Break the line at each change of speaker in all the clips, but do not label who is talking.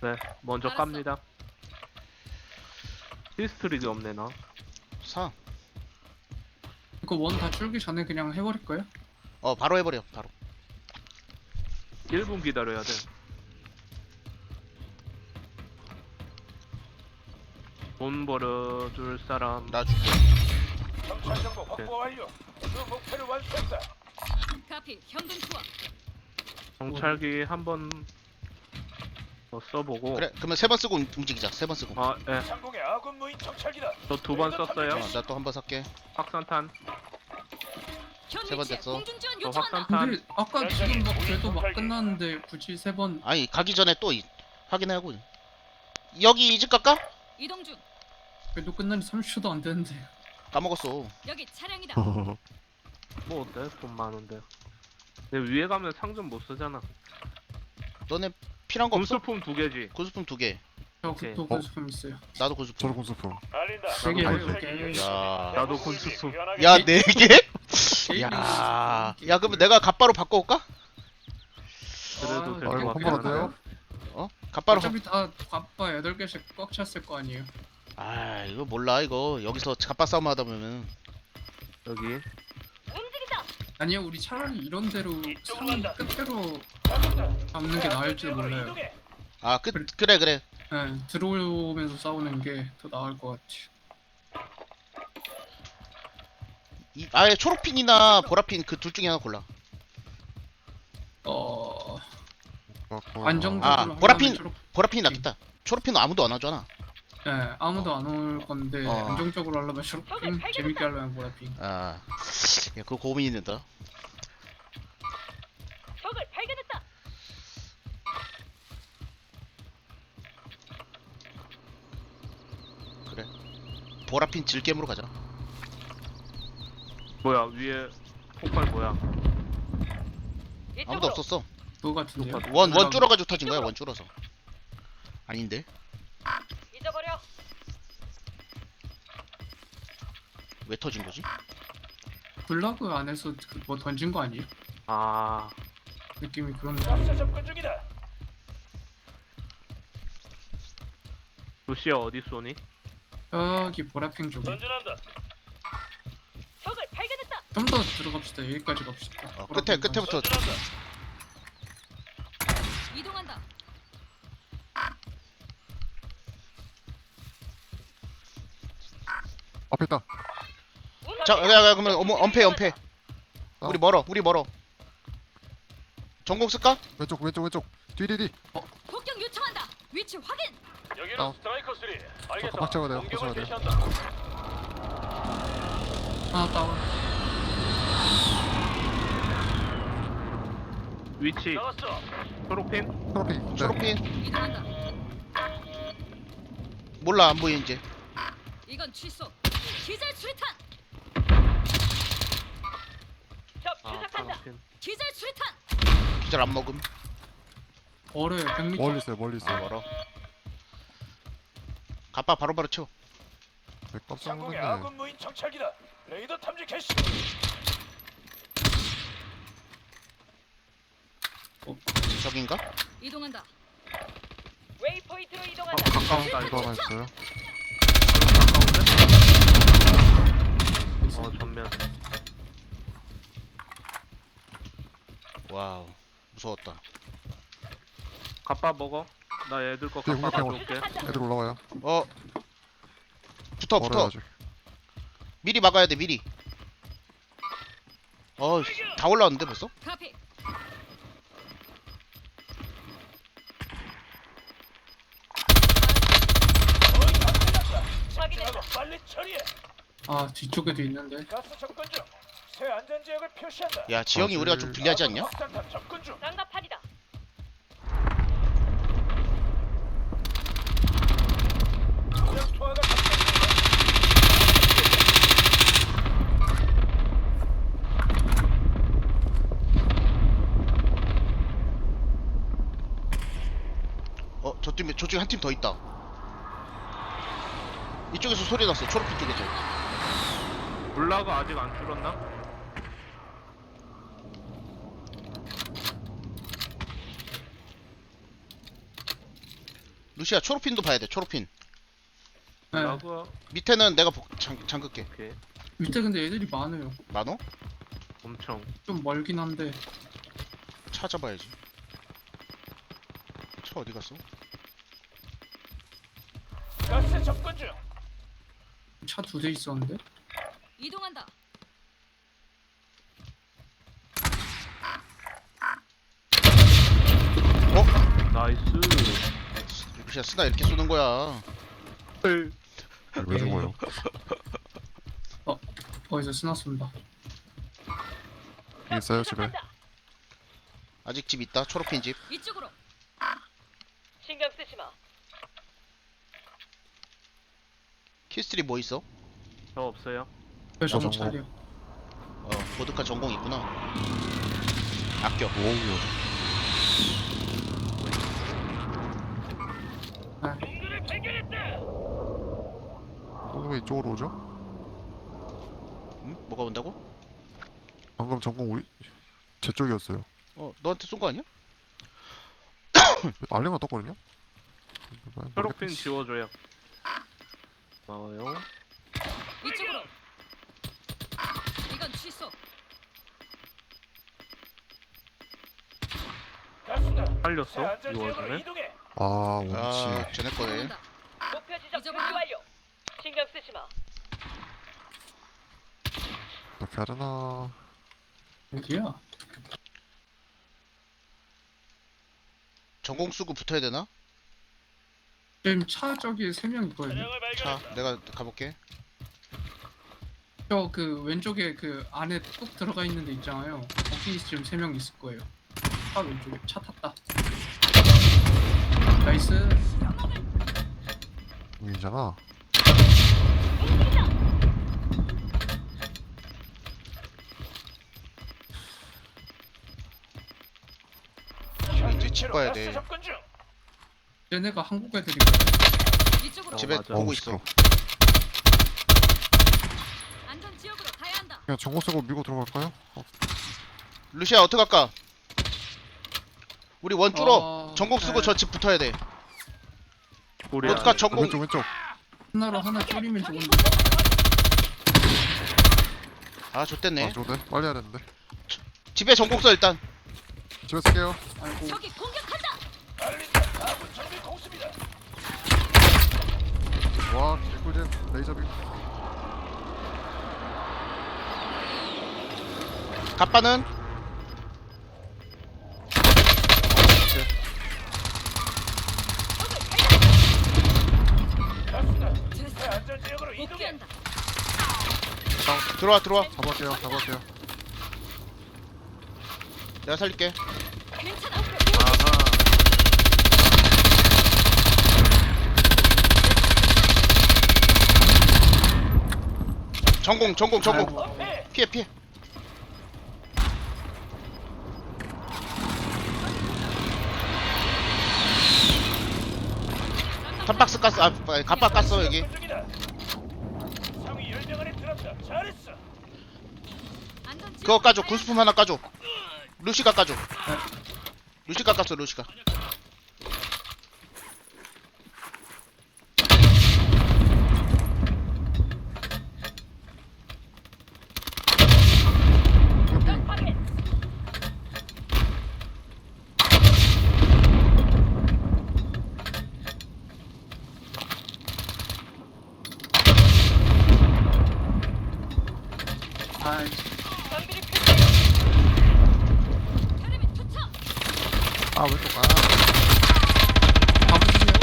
네, 먼저
알았어.
깝니다. 히스토리도 없네 나.
사.
이거 원 다 줄기 전에 그냥 해버릴 거예요?
바로 해버려. 바로.
1분 기다려야 돼. 돈 벌어줄 사람.
나 줄게.
정찰 정보 확보 완료. 그 목표를 완수했다.
카피 현금 투하.
정찰기 한번 써보고.
그래. 그러면 3번 쓰고 움직이자. 3번 쓰고.
아, 예.
상공의 아군 무인 정찰기다.
저 2번 썼어요.
나 또 한 번 살게.
확산탄.
현
세번
위치에
됐어.
공중 지원
저
요청한다.
확산탄.
근데 아까 지금 막 그래도 막 끝났는데 굳이 세 번
아니 가기 전에 또 확인하고. 여기 이집 갈까?
이동 중.
그래도 끝난 지 30초도 안 됐는데
까먹었어.
여기 차량이다.
뭐 어때? 돈 많은데. 근데 위에 가면 상점 못 쓰잖아.
너네 필요한 거 없어?
군수품 2개지.
고수품 2개.
저
오케이.
그도 고수품 있어요.
나도 고수품.
저도 공수품.
알린다.
되게
해줄게.
야.
나도 군수품.
야 4개? 야. 야 그러면 내가 갓바로 바꿔올까?
그래도 될
이거
것 같긴
한번
한데.
어때요?
갓바로.
어차피 다 바빠 8개씩 꽉 찼을 거 아니에요.
아 이거 몰라 이거. 여기서 갓바 싸움 하다 보면은.
여기.
아니요 우리 차라리 이런 데로
이쪽으로
산
간다.
끝으로 잡는 게 나을지도 몰라요.
아 그래.
네, 들어오면서 싸우는 게 더 나을 것 같아요.
아예 초록핀이나 보라핀 그 둘 중에 하나 골라.
안정적으로
아,
하려면
보라핀!
초록-
보라핀이 낫겠다. 초록핀은 아무도 안 하잖아.
네, 아무도 안 올 건데
어.
안정적으로 하려면 초록핑, 재밌게 하려면 보라핑.
아, 야 그거 고민이 된다.
적을 발견했다.
그래. 보라핀 질겜으로 가자.
뭐야 위에 폭발 뭐야?
아무도 없었어.
그거 같은데요?
원 줄어가지고 터진 거야. 원 줄어서. 아닌데?
잊어버려.
왜 터진 거지?
블라그 안에서 뭐 던진 거 아니에요?
아,
느낌이 그런데.
가스 접근 중이다.
루시아 어디 쏘니?
여기 보라핑 쪽에
전진한다.
적을 발견했다.
좀 더 들어갑시다. 여기까지 갑시다.
끝에부터.
전진한다.
이동한다.
앞에 있다.
자, 야, 그러면 엄폐. 우리 멀어. 전공 쓸까?
왼쪽. 뒤.
폭격 요청한다. 위치 확인.
여기는 스트라이커 3. 알겠어.
박 잡아야 돼요, 박
공격을
잡아야 돼요.
개시한다.
하나 다운.
위치
나왔어.
초록핀?
초록핑. 네.
초록핀.
이동한다.
몰라 안 보여 이제.
이건 취소. 기절 수리탄. 적
아, 초록핀.
기절 수리탄.
기절 안 먹음.
어려요. 100m.
멀리 있어요.
멀어. 갑바 바로바로 쳐.
네, 깜짝
상공의
놀랐네.
아군 무인 정찰기다. 레이더 탐지 개시.
저긴가?
이동한다. 웨이포인트로 이동한다.
가까운다
이거
이거.
하나 있어요.
가까운데? 전면.
와우 무서웠다.
갑바 먹어. 나 애들 거
네,
갑바
공격해.
가져올게.
애들 올라와요.
붙어.
멀어요 아직.
미리 막아야 돼 미리. 다 올라왔는데 벌써?
카피.
확인했다. 빨리 처리해.
아 뒤쪽에도 있는데.
가스 접근 중. 새 안전 지역을 표시한다.
야 지형이 우리가 좀 불리하지 않냐?
확산탄 접근 중.
장갑판이다.
지역 투하가 접근 중.
저쪽에 한 팀 더 있다. 이쪽에서 소리 났어. 초록빛 쪽에서.
블라가 아직 안 줄었나?
루시아 초록핀도 봐야 돼. 초록핀.
네.
라그
밑에는 내가 잠글게.
오케이.
밑에 근데 애들이 많아요.
많어?
엄청.
좀 멀긴 한데.
찾아봐야지. 차 어디 갔어?
가스 접근 중.
차 2대 있었는데.
이동한다.
나이스.
루시아 쓰나 이렇게 쏘는 거야.
왜 죽어요?
거기서 스나쏜다.
여기 있어요 집에.
아직 집 있다. 초록핀 집.
이쪽으로.
신경 쓰지 마.
키스트리 뭐 있어?
저 없어요.
저
정보.
정찰이요.
보드카 전공 있구나. 아껴.
오우요.
동료를 발견했다.
왜 이쪽으로 오죠?
응? 뭐가 온다고?
방금 전공 우리 제 쪽이었어요.
너한테 쏜 거 아니야?
알림가 떴거든요?
초록핀 지워줘요. 고마워요.
이쪽으로. 이건 취소.
가스다. 새
살렸어?
안전
이
지역으로
와중에?
이동해.
아 원치.
쟤네 거네.
이동한다.
목표 지점
잊어버려.
준비 완료. 신경 쓰지 마.
어떻게 하려나.
어디야?
전공 쓰고 붙어야 되나?
지금 차 저기 3명 있거든요.
차량을
차
발견했다.
내가 가볼게.
저 그 왼쪽에 그 안에 뚝 들어가 있는 데 있잖아요. 거기 지금 3명 있을 거예요. 차 왼쪽에 차 탔다. 나이스.
여기잖아.
이제 집 가야
가스
돼.
접근 중.
얘네가 한국 애들이거든.
이쪽으로.
집에
맞아.
보고
어우,
있어.
시끄러워.
안전 지역으로 가야 한다.
그냥 전공 쓰고 밀고 들어갈까요?
루시아 어떻게 갈까? 우리 원 뚫어.
어,
전공 쓰고
네.
저 집 붙어야 돼.
우리
어떡하-
안에
전공-
왼쪽 왼쪽.
하나로 하나 줄이면 좋은데.
아 좋댔네.
아 좋네. 빨리 해야 되는데.
집에 전공 써 일단.
집에 쓸게요.
아이고.
적이 공격한다.
알린다. 아군 정비 공습이다.
와 개꿀잼. 레이저빔.
갑바는
가스다. 새
됐어.
안전 지역으로 이동해.
복귀한다.
들어와.
잡을게요. 잡을게요.
내가 살릴게.
괜찮아.
아하.
전공.
아이고.
피해. 탑박스 깠어. 갑바 깠어 여기.
접근 중이다. 상위 10명 안에 들었다. 잘했어.
안전 지역으로
그거 까줘.
가야
군수품 하나 까줘. 루시가 까줘. 루시가 깠어. 루시가.
확인.
아이,
장비를 표시.
테레비 투척.
아 왼쪽. 아.
가보시면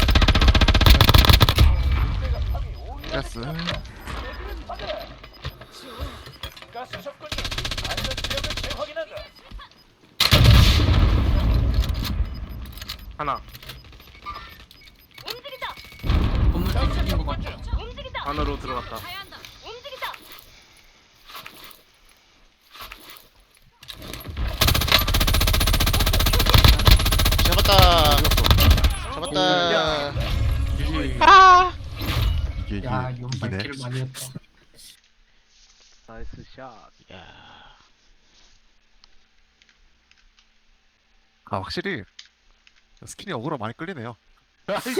됐어.
가스 접근 중. 안전 지역을 재확인한다.
하나.
움직인다.
건물 뒤집힌 것
접근
같다.
중.
움직인다.
안으로 들어갔다.
가야 한다.
움직인다.
잡았다.
이겼어.
잡았다.
이게
이게
야,
이게
이건
이기네.
말기를 많이 했다.
나이스 샷.
야.
아 확실히 스킨이 어그로 많이 끌리네요.
아이